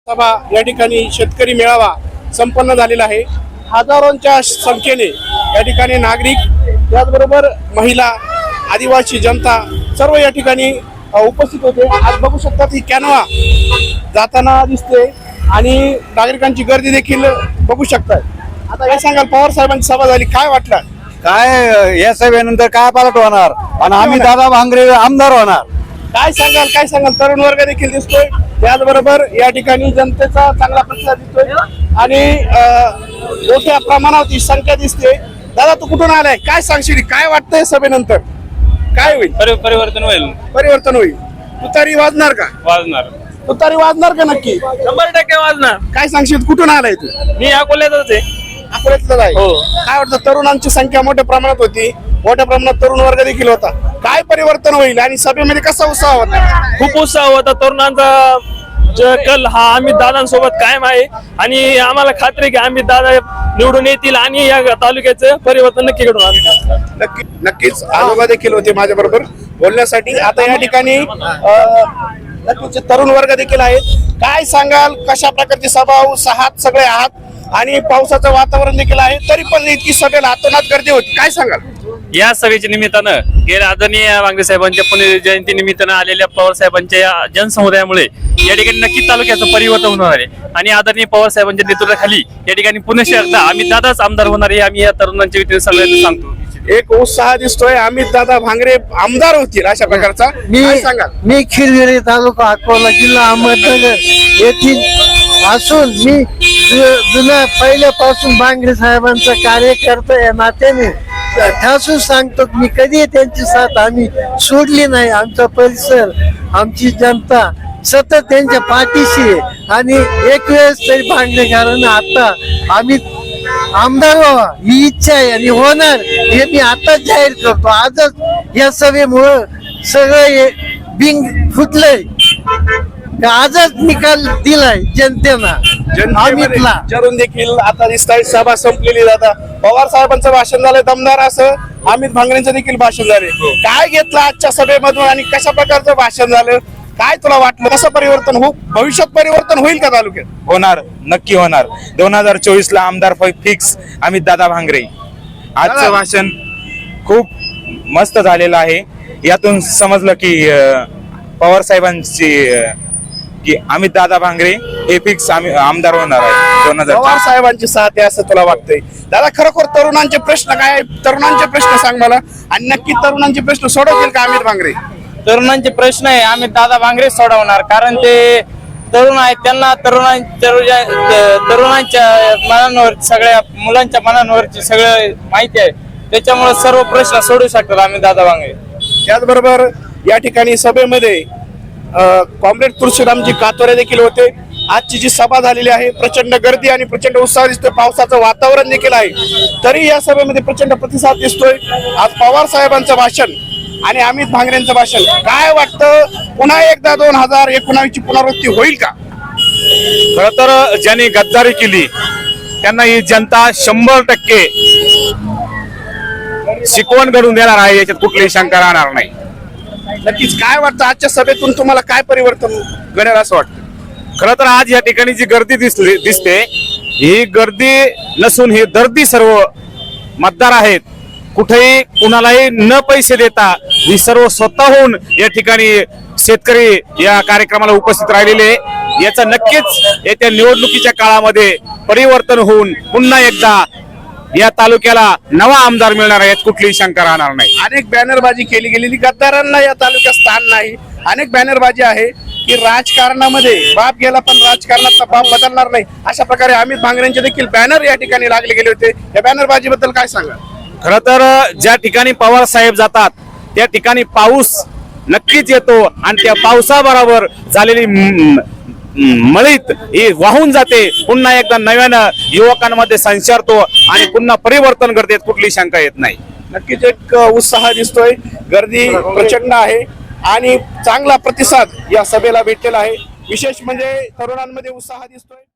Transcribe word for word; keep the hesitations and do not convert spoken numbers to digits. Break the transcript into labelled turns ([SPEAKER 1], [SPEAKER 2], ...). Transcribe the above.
[SPEAKER 1] सभा या ठिकाणी शेतकरी मेळावा संपन्न झालेला आहे। हजारोंच्या संख्येने या ठिकाणी नागरिक, त्याचबरोबर महिला, आदिवासी जनता सर्व या ठिकाणी उपस्थित होते। आज बघू शकतात ही कॅनवा जाताना दिसते आणि नागरिकांची गर्दी देखील बघू शकतात। आता काय सांगाल, पवार साहेबांची सभा झाली, काय वाटलं?
[SPEAKER 2] काय या सभेनंतर काय पालट होणार आणि आम्ही दादा भांगरे आमदार होणार।
[SPEAKER 1] काय सांगाल काय सांगाल तरुण वर्ग देखील दिसतोय, त्याचबरोबर या ठिकाणी जनतेचा चांगला प्रतिसाद दिसतोय आणि मोठ्या प्रमाणात ही संख्या दिसते। दादा, तू कुठून आलाय, काय सांगशील, काय वाटतंय सभेनंतर काय होईल?
[SPEAKER 3] परिवर्तन होईल
[SPEAKER 1] परिवर्तन होईल। तुतारी वाजणार का?
[SPEAKER 3] वाजणार
[SPEAKER 1] तुतारी वाजणार का? नक्की
[SPEAKER 3] शंभर टक्के वाजणार।
[SPEAKER 1] काय सांगशील, कुठून आलाय तू?
[SPEAKER 3] मी अकोल्यातच आहे।
[SPEAKER 1] अकोल्यातलं आहे?
[SPEAKER 3] हो।
[SPEAKER 1] काय वाटतं, तरुणांची संख्या मोठ्या प्रमाणात होती, मोठ्या प्रमाणात तरुण वर्ग देखील होता, काय परिवर्तन होईल आणि सभेमध्ये कसा उत्साह होता?
[SPEAKER 3] खूप उत्साह होता तरुणांचा। ज- कल हा आम्ही दादांसोबत कायम आहे आणि आम्हाला खात्री की आम्ही दादा निवडून येतील आणि या तालुक्याचं परिवर्तन नक्की घडून आणतील।
[SPEAKER 1] नक्की नक्कीच आजोबा देखील होते माझ्या बरोबर बोलण्यासाठी। आता या ठिकाणी अं, नक्कीच तरुण वर्ग देखील आहेत। काय सांगाल, कशा प्रकारची सभा, उत्साहात सगळे आहात आणि पावसाचं वातावरण देखील आहे, तरी पण इतकी सभेला अतोनात गर्दी होती, काय सांगाल?
[SPEAKER 3] या सभेच्या निमित्तानं गेल्या आदरणीय भांगरे साहेबांच्या पुण्यजयंती निमित्तानं आलेल्या पवार साहेबांच्या या जनसमुदायामुळे या ठिकाणी नक्की तालुक्याचं परिवर्तन होणार आहे आणि आदरणीय पवार साहेबांच्या नेतृत्वाखाली या ठिकाणी पुणे शहरात आम्ही दादाच आमदार होणार आहे, आम्ही या तरुणांच्या वतीने सगळ्यांना सांगतो।
[SPEAKER 1] एक उत्साह दिसतोय, अमित दादा भांगरे आमदार होतील अशा प्रकारचा,
[SPEAKER 2] मी
[SPEAKER 1] काय सांगाल?
[SPEAKER 2] मी खिरगिरी तालुका अकोला जिल्हा अहमदनगर येथील असून मी जु- जुन्या पहिल्यापासून भांगरे साहेबांचा कार्यकर्ता या नात्याने ठासून सांगतो की मी कधी त्यांची साथ आम्ही सोडली नाही। आमचा परिसर, आमची जनता सतत त्यांच्या पाठीशी आहे आणि एक वेळेस तरी भांगरेकरांना आता आम्ही आमदार व्हावा ही इच्छा आहे आणि होणार हे मी आताच जाहीर करतो। आजच या सभेमुळं सगळं हे बिंग फुटलंय, आजच निकाल दिलाय जनतेनं
[SPEAKER 1] जनतेमध्ये
[SPEAKER 2] अमितला।
[SPEAKER 1] विचारून देखील आता दिसताय सभा संपलेली। दादा, पवार साहेबांचं भाषण झालं दमदार, असं अमित भांगरेंचं देखील भाषण झाले। काय घेतलं आजच्या सभेमधून आणि कशा प्रकारचं भाषण झालं, काय तुला वाटलं, कसं परिवर्तन हो भविष्यात परिवर्तन होईल का तालुक्यात?
[SPEAKER 4] होणार, नक्की होणार। दोन हजार चोवीस ला आमदार फिक्स अमित दादा भांगरे। आजचं भाषण खूप मस्त झालेलं आहे। यातून समजलं की अं, पवार साहेबांची अं, की अमित दादा भांगरे हे फिक्स आमदार होणार आहे दोन हजार
[SPEAKER 1] पवार साहेबांची साथ आहे असं तुला वाटतंय? दादा, खरोखर तरुणांचे प्रश्न काय आहे? तरुणांचे प्रश्न सांग मला, आणि नक्की तरुणांचे प्रश्न सोडवतील का अमित भांगरे?
[SPEAKER 5] तरुणांचे प्रश्न आहे आम्ही दादा भांगरे सोडवणार, कारण ते तरुण आहेत, त्यांना तरुणां तरुजा- तरुणांच्या मनांवर, सगळ्या मुलांच्या मनांवरची सगळं माहिती आहे, त्याच्यामुळे सर्व प्रश्न सोडू शकतात आम्ही दादा भांगरे।
[SPEAKER 1] त्याचबरोबर या ठिकाणी सभेमध्ये कॉम्रेड तुळशीरामजी कातोरे देखील होते। आजची जी सभा झालेली आहे, प्रचंड गर्दी आणि प्रचंड उत्साह दिसतोय, पावसाचं वातावरण देखील आहे, तरी या सभेमध्ये प्रचंड प्रतिसाद दिसतोय। आज पवार साहेबांचं भाषण आणि अमित भांगरेंचं भाषण, काय वाटतं, पुन्हा एकदा दोन हजार एकोणावीस ची पुनरावृत्ती होईल का?
[SPEAKER 4] खर तर ज्यांनी गद्दारी केली त्यांना ही जनता शंभर टक्के शिकवण घडून देणार आहे, याच्यात कुठलीही शंका राहणार नाही।
[SPEAKER 1] नक्कीच काय वाटतं, आजच्या सभेतून तुम्हाला काय परिवर्तन घडेल असं वाटतं?
[SPEAKER 4] खर तर आज या ठिकाणी जी गर्दी दिसली दिसते ही गर्दी नसून ही दर्दी सर्व मतदार आहेत। कुठेही कुणालाही न पैसे देता ही सर्व स्वतःहून या ठिकाणी शेतकरी या कार्यक्रमाला उपस्थित राहिलेले, याचा नक्कीच येत्या निवडणुकीच्या काळामध्ये परिवर्तन होऊन पुन्हा एकदा या तालुक्याला नवा आमदार मिळणार आहे, यात कुठलीही शंका राहणार नाही।
[SPEAKER 1] अनेक बॅनरबाजी केली गेलेली, गद्दारांना या तालुक्यात स्थान नाही। अनेक बॅनरबाजी आहे की राजकारणामध्ये बाप गेला पण राजकारणात बाप बदलणार नाही, अशा प्रकारे अमित भांगरेंचे देखील बॅनर या ठिकाणी लागले गेले होते। या बॅनरबाजी बद्दल काय सांगा?
[SPEAKER 4] खर तर ज्या ठिकाणी पवार साहेब जातात त्या ठिकाणी पाऊस नक्कीच येतो आणि त्या पावसाबरोबर झालेली म- म- मळीत ही वाहून जाते, पुन्हा एकदा नव्यानं युवकांमध्ये संचारतो आणि पुन्हा परिवर्तन करते, कुठली शंका येत नाही।
[SPEAKER 1] नक्कीच एक उत्साह दिसतोय, गर्दी प्रचंड आहे आणि चांगला प्रतिसाद या सभेला भेटलेला आहे। विशेष म्हणजे तरुणांमध्ये उत्साह दिसतोय।